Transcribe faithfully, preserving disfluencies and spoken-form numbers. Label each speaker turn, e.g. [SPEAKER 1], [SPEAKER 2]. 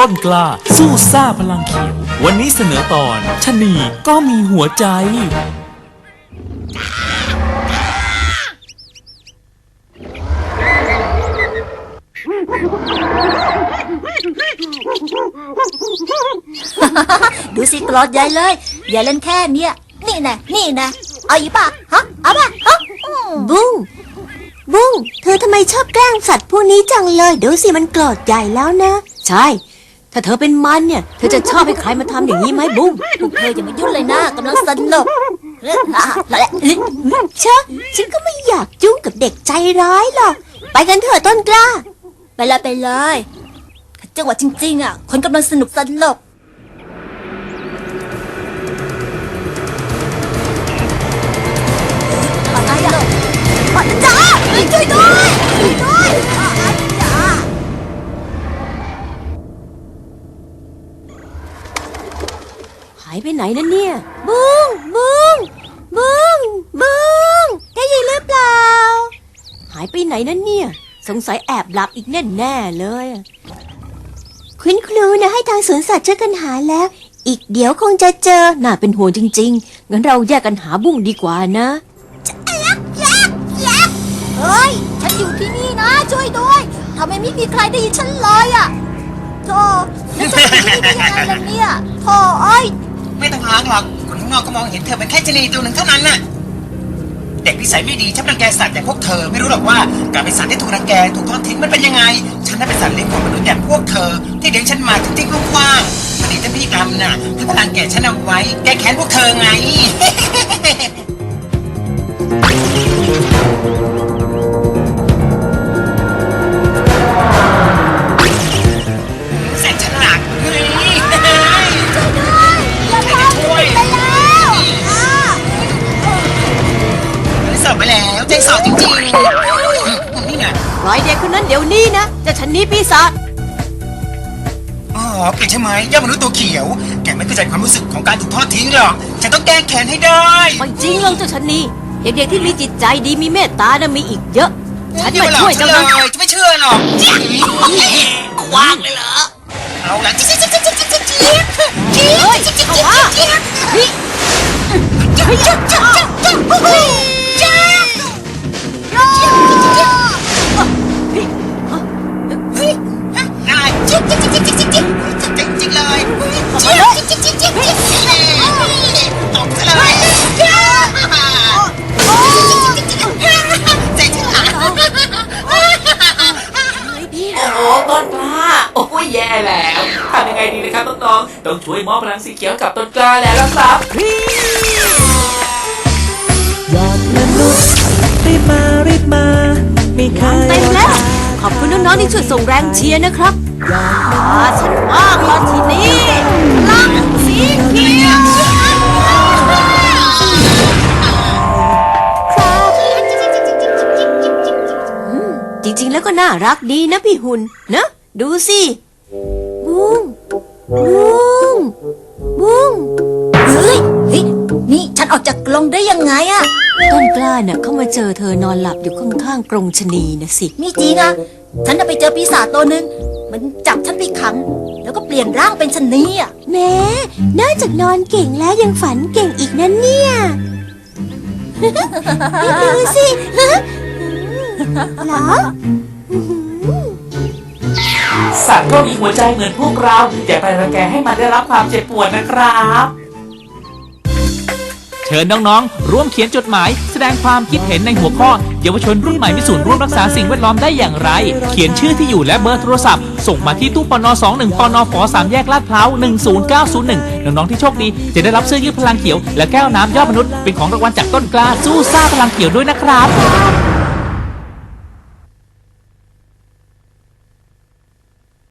[SPEAKER 1] ต้นกล้าสู้ซ่าพลังเขียววันนี้เสนอตอนชะนีก็มีหัวใจ
[SPEAKER 2] ดูสิกรอดใหญ่เลยอย่าเล่นแค่เนี้ยนี่นะนี่นะเอาอีป่ะฮะเอาป่ะฮะ
[SPEAKER 3] บุ้งบุ้งเธอทำไมชอบแกล้งสัตว์พวกนี้จังเลยดูสิมันโกรธใหญ่แล้วนะใช่ถ้าเธอเป็นมันเนี่ยเธอจะชอบให้ใครมาทำอย่างนี้ไหมบุ้ง
[SPEAKER 2] พวกเธออย่ามายุ่งเลยนะกำลังสนุกเ
[SPEAKER 3] เชอะฉันก็ไม่อยากยุ่งกับเด็กใจร้ายหรอกไปกันเถอะต้นกล้า
[SPEAKER 2] ไปเลยไปเลยจังหวะจริงๆอ่ะคนกำลังสนุกสนุกอะไรอ่ะจ้าช่วยด้วยช่วยด้วยจ้า
[SPEAKER 3] หายไปไหนนั่นเนี่ยบุ้งบุ้งบุ้งบุ้งได้ยินหรือเปล่าหายไปไหนนั่นเนี่ยสงสัยแอบหลับอีกแน่ๆเลยคุณครูนะให้ทางสวนสัตว์ช่วยกันหาแล้วอีกเดี๋ยวคงจะเจอน่าเป็นห่วงจริงๆงั้นเราแยกกันหาบุ้งดีกว่านะ
[SPEAKER 2] เฮ้ยฉันอยู่ที่นี่นะช่วยด้วยทำไมไม่มีใครได้ยินฉันเลยอ่ะโธ่แล้วฉันจะอยู่ได้ยังไงล่ะเนี่ยโธ่เอ้ย
[SPEAKER 4] ไม่ต้องล้างหรอกคนข้างนอกก็มองเห็นเธอเป็นแค่ชะนีตัวหนึ่งเท่านั้นน่ะเด็กนิสัยไม่ดีชอบรังแกสัตว์อย่างพวกเธอไม่รู้หรอกว่าการเป็นสัตว์ที่ถูกรังแกถูกทอดทิ้งมันเป็นยังไงฉันน่ะเป็นสัตว์เลี้ยงของมนุษย์อย่างพวกเธอที่เลี้ยงฉันมาทิ้งๆกว้างๆพอดีท่านพี่กรรมน่ะท่านพลังแกฉันเอาไว้แก้แค้นพวกเธอไงแสนฉลาดเฮ้ย
[SPEAKER 2] ช่วยด้วยอย่าทำช่วยไปแล้ว
[SPEAKER 4] สอบมาแล้วใจสอบจริงๆนี่ไง
[SPEAKER 3] ปล่อยเด็กคนนั้นเดี๋ยวนี้นะจะฉันนี้ปีศาจ
[SPEAKER 4] อ๋อแกใช่ไหมย่ามนุษย์ตัวเขียวแกไม่เข้าใจความรู้สึกของการถูกทอดทิ้งหรอกฉันต้องแก้แค้นให้ได้
[SPEAKER 3] ไม่จริงหรอกเจ้าฉันนี้เด็กๆที่มีจิตใจดีมีเมตตานะมีอีกเยอะฉันมาช่วยเจ้านะ
[SPEAKER 4] จะไม่เชื่อหรอกวางเลยเหรอเอาละจิ๊กจิ๊กจิ๊กจิ๊กจิ๊กจิ๊กจิ๊กจิ๊กจิ๊กจิ๊กจิ๊กจิ๊กนี่จิ๊กจิ๊กจิ๊กจิ๊กจิ๊กจิ๊กโย่เฮ้ยอะไรจิ๊กจิ๊กจิ๊กจิ๊กจิ๊กจิ๊กจิ๊กจิ๊กเลยจิ๊กจิ๊กจิ๊กจิ๊กจิ๊กตบซะเลย
[SPEAKER 5] โอ้ต้นกล้าโอ้ยแย่แล้วทำยังไงดีนะครับน้องๆต้องช่วยมอบพลังสีเขียวกับต้นกล้าแล้วล่ะครับ
[SPEAKER 6] ยอดมนุษย์รีบมารีบมาไม่เคย
[SPEAKER 3] เต็มแล้วขอบคุณน้องๆที่ช่วยส่งแรงเชียร์นะครับอาฉันมากแล้วทีนี้รักสีเขียวจริงๆแล้วก็น่ารักดีนะพี่หุ่นนะดูสิบุ้งบุ้งบุ้ง
[SPEAKER 2] เฮ้ยเฮ้ยนี่ฉันออกจากกรงได้ยังไงอะ
[SPEAKER 3] ต้นกล้าเนี่ยเขามาเจอเธอนอนหลับอยู่ข้างๆกรงชะนีนะสิ
[SPEAKER 2] นี่จริงอะฉันจะไปเจอปีศาจตัวหนึ่งมันจับฉันไปขังแล้วก็เปลี่ยนร่างเป็นชะนีอะ
[SPEAKER 3] แม้นอกจากนอนเก่งแล้วยังฝันเก่งอีกนั่นเนี่ยดูสิเหรอ
[SPEAKER 5] สัตว์ก็มีหัวใจเหมือนพวกเราอย่าไปรังแกให้มันได้รับความเจ็บปวดนะครับ
[SPEAKER 1] เชิญน้องๆร่วมเขียนจดหมายแสดงความคิดเห็นในหัวข้อเยาวชนรุ่นใหม่มีส่วนร่วมรักษาสิ่งแวดล้อมได้อย่างไรเขียนชื่อที่อยู่และเบอร์โทรศัพท์ส่งมาที่ตู้ปนสองหนึ่งปนฝสามแยกลาดพร้าวหนึ่งศูนย์เก้าศูนย์หนึ่งน้องๆที่โชคดีจะได้รับเสื้อยืดพลังเขียวและแก้วน้ำยอดมนุษย์เป็นของรางวัลจากต้นกล้าสู้ซ่าพลังเขียวด้วยนะครับ